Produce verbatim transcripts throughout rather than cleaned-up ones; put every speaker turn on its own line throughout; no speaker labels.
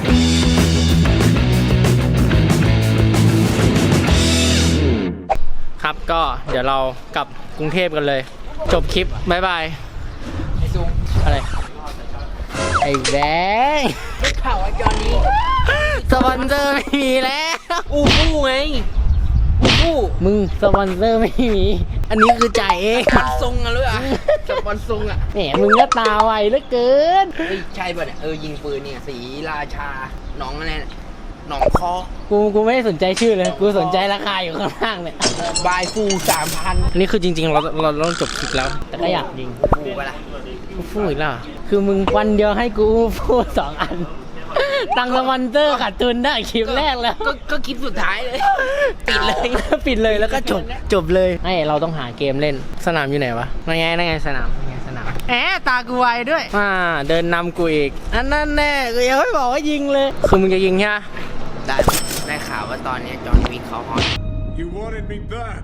ครับก็เดี๋ยวเรากลับกรุงเทพกันเลยจบคลิปบ๊ายบายไอซูอะไรไอ้แบงค์ได้ข่าวว่าจอนนี้สปอนเซอร์ไม่มีแล้วอูฟูไงอูฟูมึงสปอนเซอร์ไม่มีอันนี้คือจ่ายเองสปอนทรงอะเลยอะสปอนทรงอะแหมมึงก็ตาไวเหลือเกินเฮ้ยใช่ป่ะเนี่ยเออยิงปืนเนี่ยสีราชาหนองอะไรหนองคอกูกูไม่ได้สนใจชื่อเลยกูสนใจราคาอยู่ข้างล่างเนี่ยบายฟูสามพันอันนี้คือจริงๆเราเราต้องจบคลิปแล้วแต่ก็อยากยิงฟูไปละฟูอีกแล้วคือมึงวันเดียวให้กูฟูสองอันตังสปอนเซอร์ขาดทุนได้คลิปแรกแล้วก็คลิปสุดท้ายเลยปิดเลยปิดเลยแล้วก็จบจบเลยไอเราต้องหาเกมเล่นสนามอยู่ไหนวะนั่นไงนั่นไงสนามนั่นไงสนามแอบตากูไวด้วยอ่าเดินนำกูอีกอันนั้นแน่กูยังไม่บอกว่ายิงเลยคือมึงจะยิงใช่ไหมได้ได้ข่าวว่าตอนนี้จอห์นวิกเขาฮอต
You wanted me back.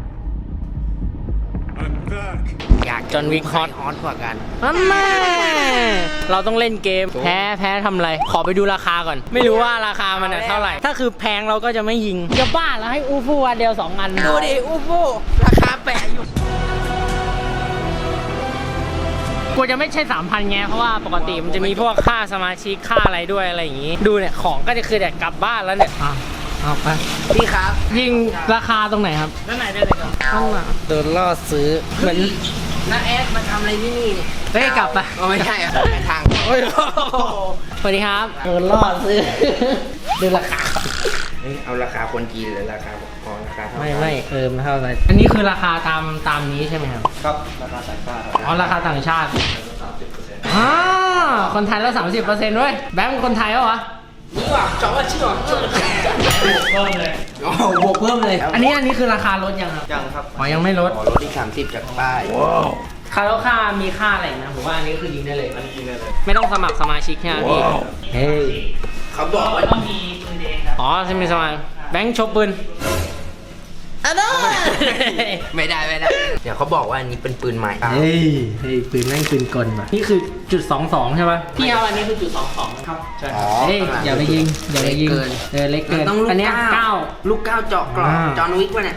I'm back.
อยากจอห์นวิกฮอตฮอตกว่ากันอันแน่เราต้องเล่นเกมแพ้แพ้ทำอะไรขอไปดูราคาก่อนไม่รู้ว่าราคามันเท่าไหร่ถ้าคือแพงเราก็จะไม่ยิงจะบ้าแล้วให้อูฟูอันเดียวสองอันดูดิอูฟูราคาแปะอยู่กูจะไม่ใช่สามพันไงเพราะว่าปกติมันจะมีพวกค่าสมาชิกค่าอะไรด้วยอะไรอย่างงี้ดูเนี่ยของก็จะคือแต่กลับบ้านแล้วเนี่ยเอาไปพี่ครับยิงราคาตรงไหนครับด้านไหนได้เลยครับข้างหลังโดนล่อซื้อเหมือนน้าแอดมาทำอะไรที่นี่เนี่ยเฮ้ยกลับไปไม่ใช่อะไปทางสวัสดีครับโดนล่อซื้อดูราคาเอาราคาคนจีนหรือราคาพอราคาไม่ไม่เออมันเท่าไหร่อันนี้คือราคาตามตามนี้ใช่ไหมครับครับราคาต่างชาติอ๋อราคาต่างชาติอ่าคนไทยแล้วสามสิบเปอร์เซ็นต์ด้วยแบงค์คนไทยเหรอนี่ว่ะจอบว่าชื่อว่ะบวกเพิ่มเลยอ๋อบวกเพิ่มเลยอันนี้อันนี้คือราคาลดยังครับยังครับอ๋อยังไม่ลดอ๋อลดที่สามสิบจากป้ายว้าวค่าแล้วค่ามีค่าอะไรนะผมว่าอันนี้คือยิงได้เลยอันนี้ยิงได้เลยไม่ต้องสมัครสมาชิกใช่ไหมพี่เฮ้ยเขาบอกว่าต้องมีปืนเองครับอ๋อใช่ไหมสมัครแบงค์ชกปืนอ่ะได้ไม่ได้ไม่ได้เดี๋ยวเขาบอกว่าอันนี้เป็นปืนใหม่เฮ้ยเฮ้ยปืนแม่งปืนกลว่ะนี่คือจุดสองสองใช่ป่ะพี่เอาอันนี้คือจุดสองสองครับใช่เฮ้ยอย่าไปยิงอย่าไปยิงเออเล็กเกินอันนี้เก้าลูกเก้าเจาะกรอบจอห์นวิกป่ะเนี่ย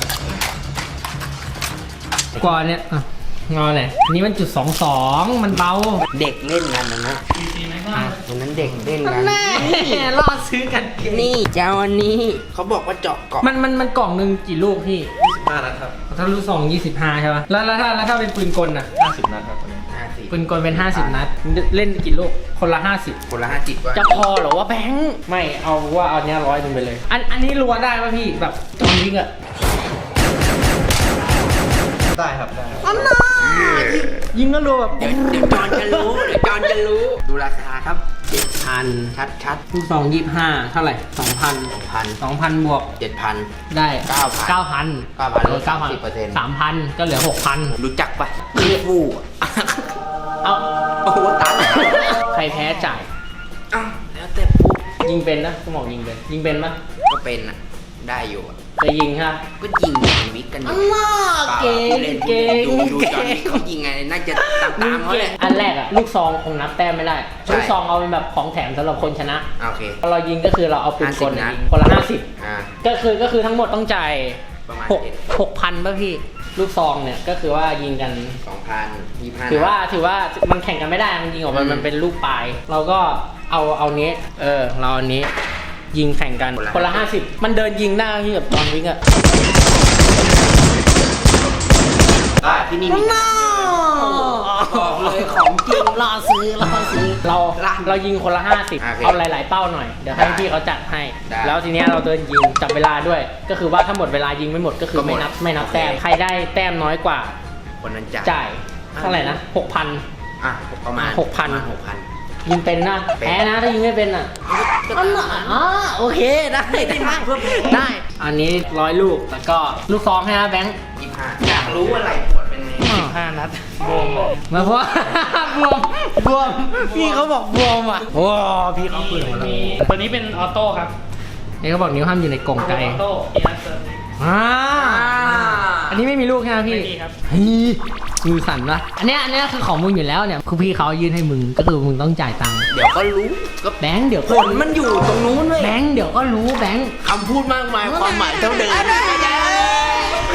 กว่าเนี่ยงอเลยอันนี้มันจุดสองสองมันเบาเด็กเล่นกันนะนะตรงนั้นเด็กเล่นกันแม่ล่อซื้อกันนี่เจ้าอันนี้เขาบอกว่าเจาะกล่องมันมันมันกล่องหนึ่งกี่ลูกพี่ยี่สิบห้านัดครับถ้าลูกซองยี่สิบห้าใช่ป่ะแล้วแล้วถ้าแล้วถ้าเป็นปืนกลน่ะห้าสิบนัดครับปืนกลเป็นห้าสิบนัดเล่นกี่ลูกคนละห้าสิบคนละห้าสิบจะพอหรอว่าแบงค์ไม่เอาว่าเอาเนี้ยร้อยหนึ่งไปเลยอันอันนี้รัวได้ป่ะพี่แบบจอห์นวิกอะได้ครับได้อันน่ะยิงก็รู้แบบเดี๋ยวจอนจะรู้เดี๋ยวจอนจะรู้ดูราคาครับเจ็ดพันชัดชัดลูกซองยี่สิบห้าเท่าไหร่สองพันสองพันสองพันบวกเจ็ดพันได้เก้าพันเก้าพันเก้าพันลดเก้าพันสิบเปอร์เซ็นต์สามพันก็เหลือหกพันรู้จักปะเรียกฟูเอาโอ้โหตันใครแพ้จ่ายอ้าวแล้วแต่ปุ๊บยิงเป็นนะสมองยิงเป็นยิงเป็นปะก็เป็นนะได้อยู่จะยิงฮะก็ยิงจอห์นวิกกันอยู่เก่งเก่งดูดูจอห์นวิกเขายิงไงน่าจะตามตามเขาเลยอันแรกอะลูกซองคงนับแต้มไม่ได้ลูกซองเอาเป็นแบบของแถมสำหรับคนชนะโอเคพอเรายิงก็คือเราเอาปืนกลยิงคนละห้าสิบก็คือก็คือทั้งหมดต้องจ่ายประมาณหกพันป่ะพี่ลูกซองเนี่ยก็คือว่ายิงกันสองพันยี่พันถือว่าถือว่ามันแข่งกันไม่ได้มันยิงออกมามันเป็นลูกปลายเราก็เอาเอาเนี้ยเออเราอันนี้ยิงแข่งกันคนละห้าสิบมันเดินยิงหน้าที่แบบจอห์นวิกอะได้ที่นี่มีบอกเลยของจริงรอซื้อรอซื้อเราเรายิงคนละห้าสิบเอาหลายๆเป้าหน่อยเดี๋ยวให้พี่เขาจัดให้แล้วทีนี้เราเดินยิงจับเวลาด้วยก็คือว่าถ้าหมดเวลายิงไม่หมดก็คือไม่นับไม่นับแต้มใครได้แต้มน้อยกว่าคนนั้นจ่ายเท่าไหร่นะหกพันอ่ะประมาณหกพันหกพันยิงเป็นนะแพ้นะถ้ายิงไม่เป็นอ่ะอ๋อโอเคได้ได้มากเพิ่มได้อันนี้ร้อยลูกแล้วก็ลูกซองให้นะแบงค์ยี่ห้าอยากรู้อะไรผลเป็นไงสิบห้านัดบวมมาเพราะบวมบวมพี่เขาบอกบวมอ่ะโอ้พี่เขาปืนมีตัวนี้เป็นออโต้ครับนี่เขาบอกนิ้วห้ามอยู่ในกล่องไกลออโต้อ่าอันนี้ไม่มีลูกใช่ไหมพี่
ไม่มีครับ
เฮ้ยมือสั่นปะอันเนี้ยอันเนี้ยคือของมึงอยู่แล้วเนี่ยคือพี่เขายื่นให้มึงก็คือมึงต้องจ่ายตังค์
เดี๋ยวก็รู้ก็
แบงค์เดี๋ยว
ผลมันอยู่ตรงนู้นเว้ย
แบงค์เดี๋ยวก็รู้แบงค์
คำพูดมากมายความหมายเท่าเดิม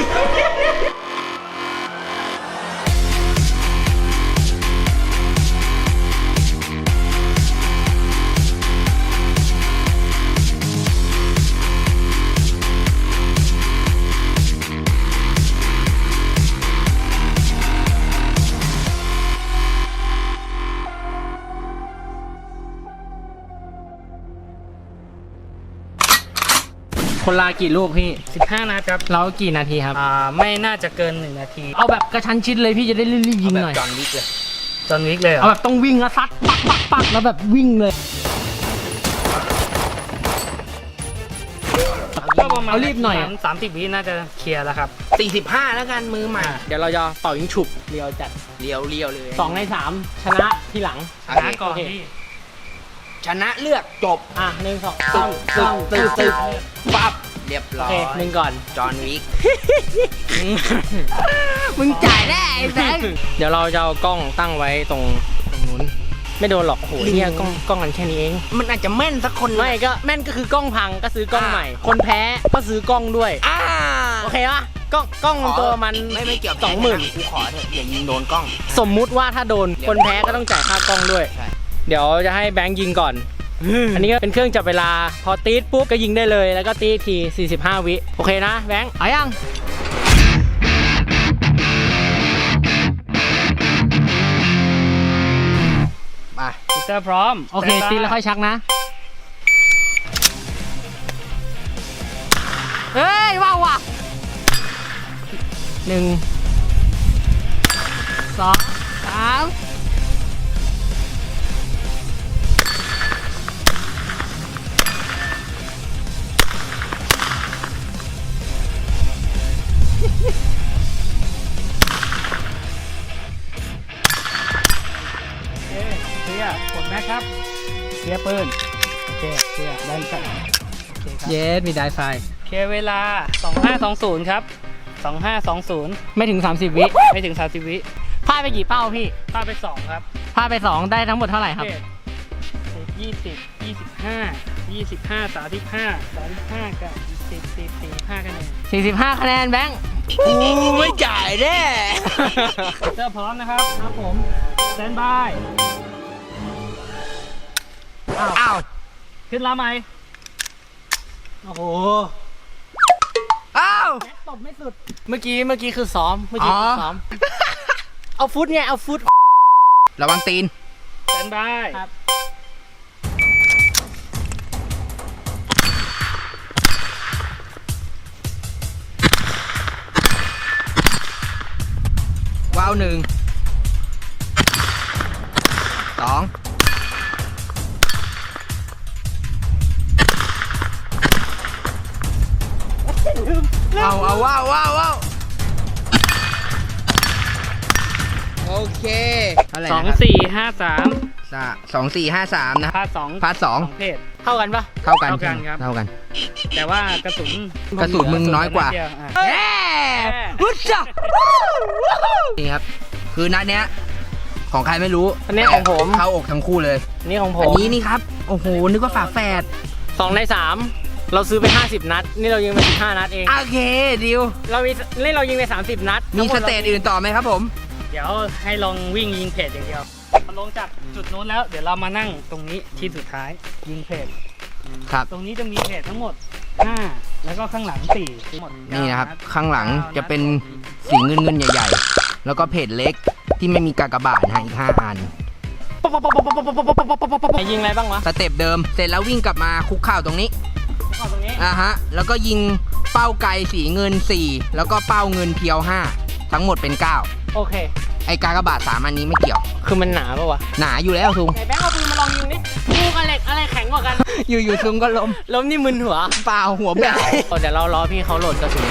คนลากี่ลูกพี่
สิบห้านัดครับ
เรากี่นาทีครับ
อ่าไม่น่าจะเกินหนึ่งนาที
เอาแบบกระชั้นชิดเลยพี่จะได้รีบๆยิงหน่อย
จอห์นวิกเลย
จอห์นวิกเลยเหร
เอา
อ
แบบต้องวิ่งแล้วซัดปักปักปักแล้วแบบวิ่งเลย
ก็ประมาณ
เอารีบหน่อยอะ
สามสิบวิน่าจะเคลียร์แล้วครับ
สี่สิบห้าแล้วกันมือใหม่
เดี๋ยวเราจะเป่ายิงฉุบเรียวจัด
เลียวเลียวเลย
สองในสามชนะทีหลัง
ชนะก่อน
โอเค
พี่
ชนะเลือกจบ
อ่ะหนึ่งสอง
ตึ
สาก ม
ตึ
สาก ม
ตึกตึกปั๊บเรียบ
โอ
ร้อ
เค
ย
หนึ่งก่อน
จอห์นวิก
มึงจ่ายแน่ไอ้แบงค์เดี๋ยวเราจะเอากล้องตั้งไว้ตรงตรงนู้นไม่โดนหรอกโอ้โหเนี่ยกล้องกล้องกันแค่นี้เอง
มันอาจจะแม่นสักคน
ไม่ก็แม่นก็คือกล้องพังก็ซื้อกล้องใหม่ คนแพ้ก็ซื้อกล้องด้วย
อ่า
โอเคปะกล้องกล้องมันตัวมัน
ไม่ไม่เกี่ยว
สองหมื่น
กูขอเถอะอย่ายิงโดนกล้อง
สมมุติว่าถ้าโดนคนแพ้ก็ต้องจ่ายค่ากล้องด้วย
ใช่
เดี๋ยวจะให้แบงค์ยิงก่อน อันนี้ก็เป็นเครื่องจับเวลาพอตีดปุ๊บก็ยิงได้เลยแล้วก็ตีทีสี่สิบห้าวิโอเคนะแบงค์เอายัง
มา
พิเตอร์พร้อม
โอเคตีแล้วค่อยชักนะเฮ้ยว้าวว่ะหนึ่งสองสาม
โอเคเคลียร์กดแม็กครับเคลียร์ปืนโอเคเคลียร์ดันกันโอเคครับ
เยสมีไดไฟ
เคลียร์เวลาสองห้าสองศูนย์ครับสองห้าสองศูนย์
ไม่ถึง สามสิบ วิ
ไม่ถึงสามสิบวิ
พลาดไปกี่เป้าพี่
พลาดไปสองครับ
พลาดไปสองได้ทั้งหมดเท่าไหร่ครับ
สิบยี่สิบยี่สิบห้ายี่สิบห้าสามสิบห้าสามสิบห้ากับสิบสิบสี่สิบห้าคะแนน
สี่สิบห้าคะแนนแบงค์
กูไม่จ่ายแน่
เริ่มพร้อมนะครับครับผมสแตนบายอ้าว
อ้าว
ขึ้นลาไหมโอ้โห
อ้าว
ตบไม่สุด เมื่อกี้เมื่อกี้คือซ้อม เมื่อกี้คือซ้อม เอาฟุตไง เอาฟุต
ระวังตีน
สแตนบาย
ครับ
ว้าวหนึ่งสองเอาเอาว้าวว้าวว้าวโอเคเท่าไหร่
สอง
นะครับ
สี่ห้าสาม
สะสองสี่ห้าสามนะ
พาสอง
พาร์ทสอง
เพศ
เท่ากันปะ
เท่ากัน
เท่ากันครับ
เท่ากัน
แต่ว่ากระสุน
กระสุนมึงน้อยกว่า
เดียวอ่ะ
เย้วุ้ชะนี่ครับ คือนัดเนี้ย ของใครไม่รู้
อันนี้ของผม
เข้าอกทั้งคู่เลย
อันนี้ของผ
อัน
ม
นี้นี่ครับ โอ้โห นึกว่าฝาแฝด
สองในสามเราซื้อไปห้าสิบนัด นี่เรายิงไปสิบห้านัดเอง
โอเคดิว
เรามีนี่เรายิงไปสามสิบนัด
มีสเตจอื่นต่อไหมครับผม
เดี๋ยวให้ลองวิ่งยิงเพจอย่างเดียวพอลงจากจุดนู้นแล้ว เดี๋ยวเรามานั่งตรงนี้ที่สุดท้ายยิงเพจ
ครับ
ตรงนี้จะมีเพจทั้งหมดห้าแล้วก็ข้างหลังสี่ทั้งหมด
นี่นะครับ
เก้าด
ข้างหลัง
ก้า
จะเป็น
ด
สีเงินเงินๆใหญ่ๆ แล้วก็เพจเล็กที่ไม่มีกากบาทนะฮะอีกห้าอัน
ไอ้ยิงอะไรบ้างวะ
สเต็ปเดิม เสร็จแล้ววิ่งกลับมาคุกเข่าตรงนี้
เข้าตรงนี้
อ่าฮะ แล้วก็ยิงเป้าไกลสีเงินสี่แล้วก็เป้าเงินเพียวห้าทั้งหมดเป็นเก้า
โอเค
ไอกากบาทสามอันนี้ไม่เกี่ยว
คือมันหนาปะวะ
หนาอยู่แล้วทุง
ไหนแบงค์เอาปืนมาลองยิงดิลูกอะไรอะไรแข็งกว่ากัน
อยู่ๆทุงก็ล้ม
ล้มนี่มึนหัว
เปล่าหัวแบก
เดี๋ยวเรารอพี่เขาโหลดกระสุน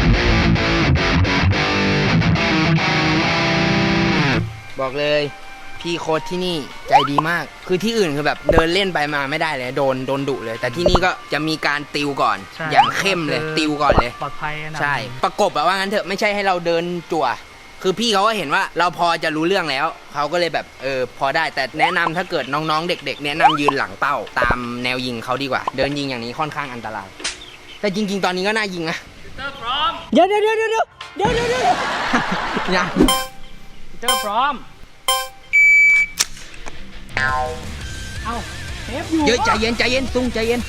บอกเลย ผพี่โค้ชที่นี่ใจดีมาก คือที่อื่นคือแบบเดินเล่นไปมาไม่ได้เลยโดนโดนดุเลย แต่ที่นี่ก็จะมีการติวก่อน
ใช่
อย่างเข้มเลย
คือ
ติวก่อนเลย
ปลอดภัยอันดับ
ใช่ ประกบแบบว่างั้นเถอะไม่ใช่ให้เราเดินจั่ว คือพี่เขาก็เห็นว่าเราพอจะรู้เรื่องแล้ว เขาก็เลยแบบเออพอได้ แต่แนะนำถ้าเกิดน้องๆเด็กๆแนะนำยืนหลังเป้าตามแนวยิงเขาดีกว่า เดินยิงอย่างนี้ค่อนข้างอันตราย แต่จริงๆ ตอนนี้ก็น่ายิงนะ
เตอร์พร้อม
เดี๋ยวเดี๋ยวเดี๋ยวเดี๋ยวเดี๋ยวเดี๋ยวเดี๋ยว
ยัง
เตอร์พร้อม
เอาเทปอยู่
เยอะใจเย็นใจเย็นตุ้งใจเย็น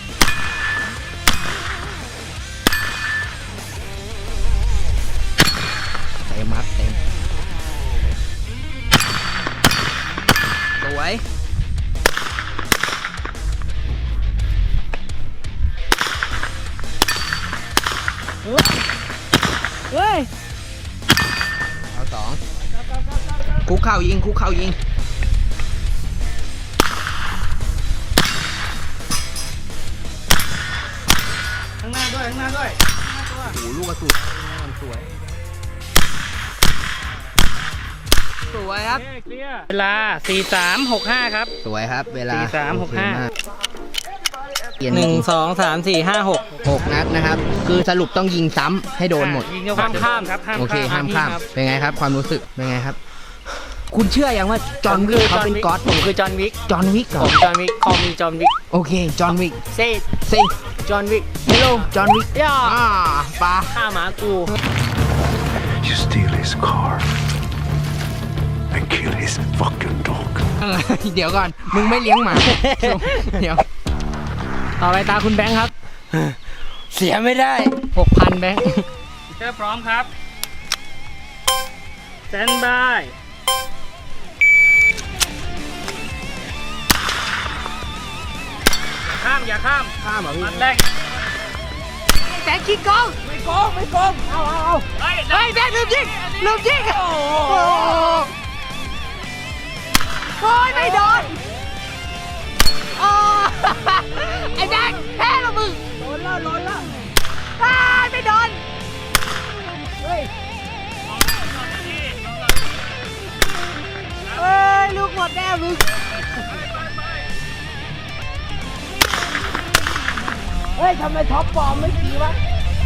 เต็มครับเต็มสวย
เฮ้ย
เอาสองคุกเข่ายิงคุกเข่ายิง
ข้างหน้าด้วย ข้างหน้าด้วย
โอ้โหลูกกระสุนมันสวย สวยครับ
เคลียร์เวลา สี่สามหกห้า ครับ
สวยครับ เวลา
สี่สามหกห้า
เปลี่ยน
หนึ่งสองสามสี่ห้าหก
หกนัดนะครับ คือสรุปต้องยิงซ้ำให้โดนหมด
ยิงเยอะกว่า
ห้ามข้าม
ครับ ห้าม
โอเค
ข้าม
ห้ามข้าม
ครับ
เป็นไงครับ ความรู้สึก เป็นไงครับ คุณเชื่อยังว่าจอห์นวิกเขาเป็นก๊อต
ผมคือจอห์นวิก
จอห์นวิกเหร
ผ
อ
มจอห์นวิกคอมีจอห์นวิก
โอเค จอห์นวิก
เซ่
ซิ
จอห์นวิก
เฮลโลจอห์นวิก
ย่า
อ่าปลา
ฆ่าหมากู
You steal his car and kill his fucking dog.
เออเดี๋ยวก่อน มึงไม่เลี้ยงหมา เดี๋ยว
ต่อไปตาคุณแบงค์ครับ
เสียไม่ได้
หกพันแบงค์
เตอร์พร้อมครับสแตนบายข้าม อย่าข้าม
ข้ามเหรอพี่
นัดแรก
แบงค์ขี้โกงไม่โกงไม่โกงเอาเอาเอา
เฮ้ย
เฮ้ยแบงค์ลืมยิงลืมยิงโอ้โหโอ้ยไม่โดนโอ้ไอ้แบงค์แพ้แล้วมึงโดนแล้วโดนแล้วอ้ายไม่โดนเฮ้ยเฮ้ยลูกหมดแน่มึงเฮ้ยทำไมท็อปฟอร์มไม่ดีวะ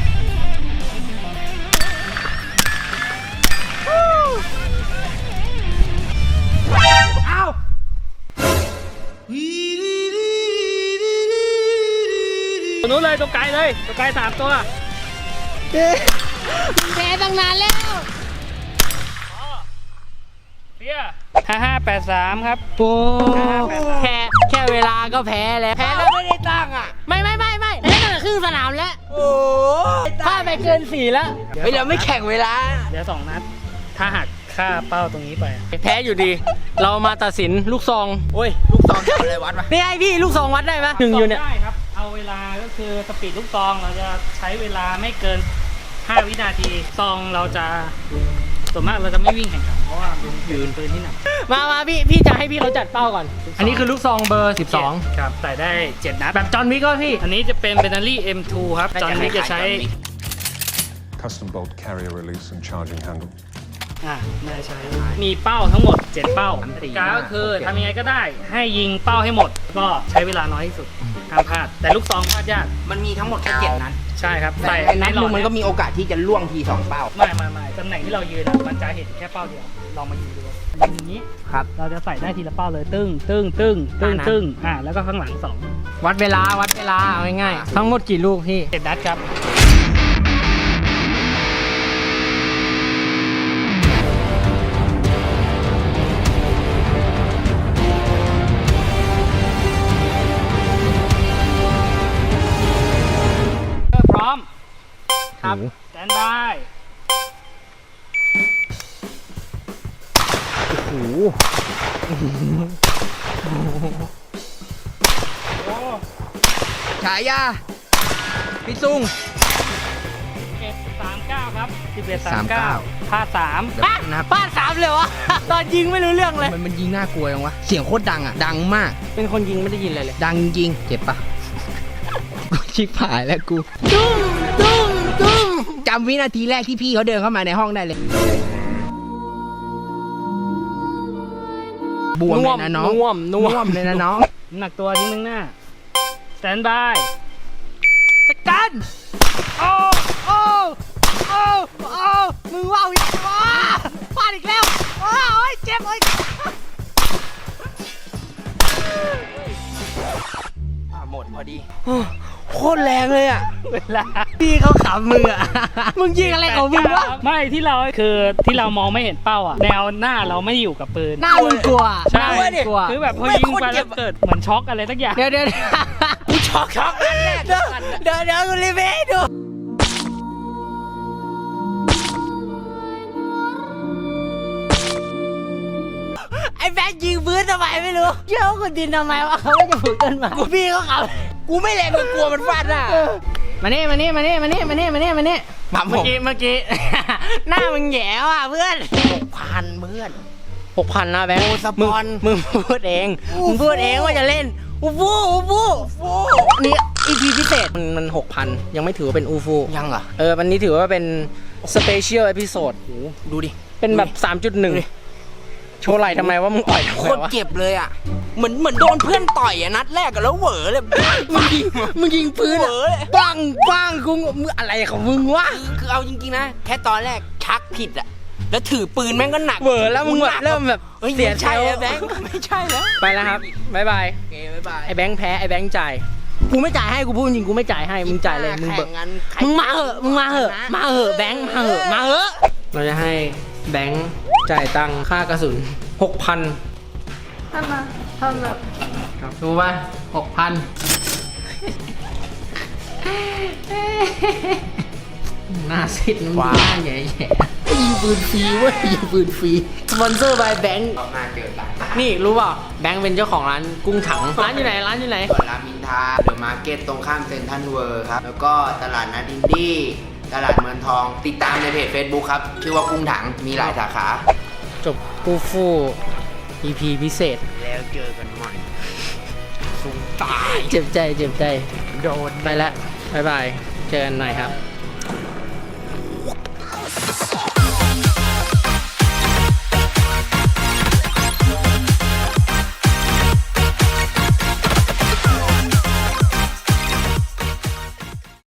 เอา
ตัวนู้นเลยตัวไกลเลยตัวไกลสามตัว
แพ้ตั้งนานแล้ว
เปี้ยห้าห้าแปดสามครับ
โอ้แค่แค่เวลาก็แพ้แล้วแพ้แล้ว
ไม่ได้ตั้งอ่ะ
ไม่ไม่ไม่ไม่แพ้ตั้งแต่ครึ่งสนามแล้ว
โอ้
พลาดไปเกินสี่แล้ว
เฮ้ยเราไม่แข่งเวลา
เดี๋ยวสองนัด ถ้าหักค่าเป้าตรงนี้ไป
แพ้อยู่ดี เรามาตัดสินลูกซอง
โอ้ย ลูกซองทำอะไรวัดวะ
นี่ไอพี่ลูกซองวัดได้ไหมหนึ่งอยู่เนี่ย
ได้ครับ เอาเวลาก็คือสปีดลูกซองเราจะใช้เวลาไม่เกิน ห้า วินาที ซองเราจะส่วนมากเราจะไม่วิ่งแข่งขันเพราะว่าเป็นยืนปืนที่หนัก
มามาพี่พี่จะให้พี่เขาจัดเป้าก่อน อันนี้คือลูกซองเบอร์สิบสอง
ครับใส่ได้เจ็ดนัด
แบบจอห์นวิกก็พี่
อันนี้จะเป็นเบนนารี่ เอ็ม ทู ครับ จอห์นวิกจะใช้
Custom bolt carrier release and charging handle.
อ่าไม่ได้ใช้ มีเป้าทั้งหมด เจ็ด เป้า
สามสี่
กาก็คือ
ห้าหกเจ็ด
ทำยังไงก็ได้ ให้ยิงเป้าให้หมด ก็ใช้เวลาน้อยที่สุดห้ามพลาด แต่ลูกซองพลาดยาก
มันมีทั้งหมดแค่เจ็ดนัด
ใช่ครับ
แต่
ใส่
ในนัด
หล
หนึ
อด
งมันก็มีโอกาสที่จะล่วงทีสองเป้า
ไม่ไม่ไม่ตำแหน่งที่เรายืนอะมันจะเห็นแค่เป้าเดียว ลองมายิงดูยิงอย่างนี้
ครับ
เราจะใส่ได้ทีละเป้าเลย ตึ้งตึ้งตึ้งตึ้ง
อ่านะ
ตึ้งอ่า แล้วก็ข้างหลังสอง
วัดเวลาวัดเวลาเอาง่ายๆทั้งหมดกี่ลูกพี่
เจ็ดนัดครับ พร้อม
ครับ
สแตนบาย
โอ้โหฉายา พี่ซุง
เก็บสามเก้าครับสิบเอ็ด
สา
สาม ม
เก้า
เก้าพลาดสาม
เดี๋ยวนะครับ
บ้านสามเลยวะ ตอนยิงไม่รู้เรื่องเลย
มันมันยิงน่ากลัวยังวะ เสียงโคตรดังอ่ะ ดังมาก
เป็นคนยิงไม่ได้ยินอะไรเลย
ดังจริง เจ็บปะ ชิบหายแล้วกู
ตุ้มตุ้มตุ้ม
จำวินาทีแรกที่พี่เขาเดินเข้ามาในห้องได้เลยบวมเลยนะน้อง
น่วมน่วม
น่วมเลยนะน้อง
น้ำหนักตัวทิ้งข้างหน้า สแตนบาย
จัดการโอ้โอ้โอ้โอ้มึงว่าวอีกว้าพลาดอีกแล้วว้าโอ้ยเจ็บโอ้ย
หมดพอดีโคตรแรงเลยอ่ะ
เวลา
พี่เขาขำมึงอ่ะ มึงยิงอะไรของมึงวะ
ไม่ที่เราคือที่เรามองไม่เห็นเป้าอ่ะ แนวหน้าเราไม่อยู่กับปืน
หน้ามึงกลัว
ใช่
หน้ามึงกลัว
คือแบบพอยิงไปแล้วเกิดเหมือนช็อกอะไรสักอย่าง
เดี๋ยวเดี๋ยว
กูช็อกช็อกนั่นแหละ
เดี๋ยวเดี๋ยวเดี๋ยวกูรีวิวให้ดูไอ้แบงค์ยิงพื้นทำไมไม่รู้เชื่อว่าคุณดินทำไมวะเขาไม่จะผูกต้นไม้กูพี่เขาขำ
กูไม่แรงกูกลัวมันฟาดหน้า
มานี่มานี่มานี่มานี่มานี่มานี่มานี่
ครับผม
เมื่อกี้เมื่อกี้ หน้ามึงแหย่ว่ะเพื่อน
พันเพื่อน
หกพันนะแบงค์
โอ้สปอน
มึงมึงพูดเองมึงพูดเองว่าจะเล่นอูฟูอูฟูนี่อีพีพิเศษมันมันหกพันยังไม่ถือว่าเป็นอูฟู
ยังเหรอ
เออวันนี้ถือว่าเป็นสเปเชียลเอพิโซด
ดูดิ
เป็นแบบ สามจุดหนึ่ง โชว์ไหล่ทำไมว่ามึงอ่อยทำ
โค
ไม
ตร
วะ
เจ็บเลยอ่ะ เหมือนเหมือนโดนเพื่อนต่อยอ่ะนัดแรกอะแล้วเหวอเลย
มึงยิงมึงยิงปืน
เหว
อะ
อเลย
ปังปังกูมึงอะไรของมึงวะ
คือคือเอาจริงๆนะ แค่ตอนแรกชักผิดอ่ะ แล้วถือปืนแม่งก็หนัก
เวอร์แล้วมึงแบบเริ่มแบบ
เฮ้ย
เสีย
ไม่
ใจ
ใช่
แล้
แล้ว
ว
แบงค์ไม่ใช่แล้ว
ไปแล้วครับบ๊ายบาย
โอเคบ๊ายบาย
ไอ้แบงค์แพ้ไอ้แบงค์จ่ายกูไม่จ่ายให้กูพูดจริงกูไม่จ่ายให้มึงจ่ายเลยมึงเบิก
แข่งั้นใคร
มึงมาเหอะมึงมาเหอะมาเหอะแบงค์มาเหอะมาเหอะเราจะให้แบงค์จ่ายตังค่ากระสุนหกพันท่านมาท่านแบบครับดูป่ะหกพันหน้าซิดน้ำหน้าแย่ๆยิงปืนฟรีเว้ยยิงปืนฟรีสปอนเซอร์บายแบงค์
ออกมาเจอกัน
นี่รู้เปล่าแบงค์เป็นเจ้าของร้านกุ้งถังร้านอยู่ไหนร้านอยู่ไหน
ส่วนรามอินทราเดอะมาร์เก็ตตรงข้ามเซ็นทรัลเวิร์ครับ แล้วก็ตลาดนัดอินดี้ตลาดเมืองทองติดตามในเพจ Facebook ครับ ชื่อว่ากุ้งถังมีหลายสาขา
จบปูฟู อี พี พิเศษ
แล้วเจอกันใหม่สูงตาย
เจ็บใจเจ็บใจ
โดน
ไปแล้วบ๊ายบาย เจอกันหน่อยครับ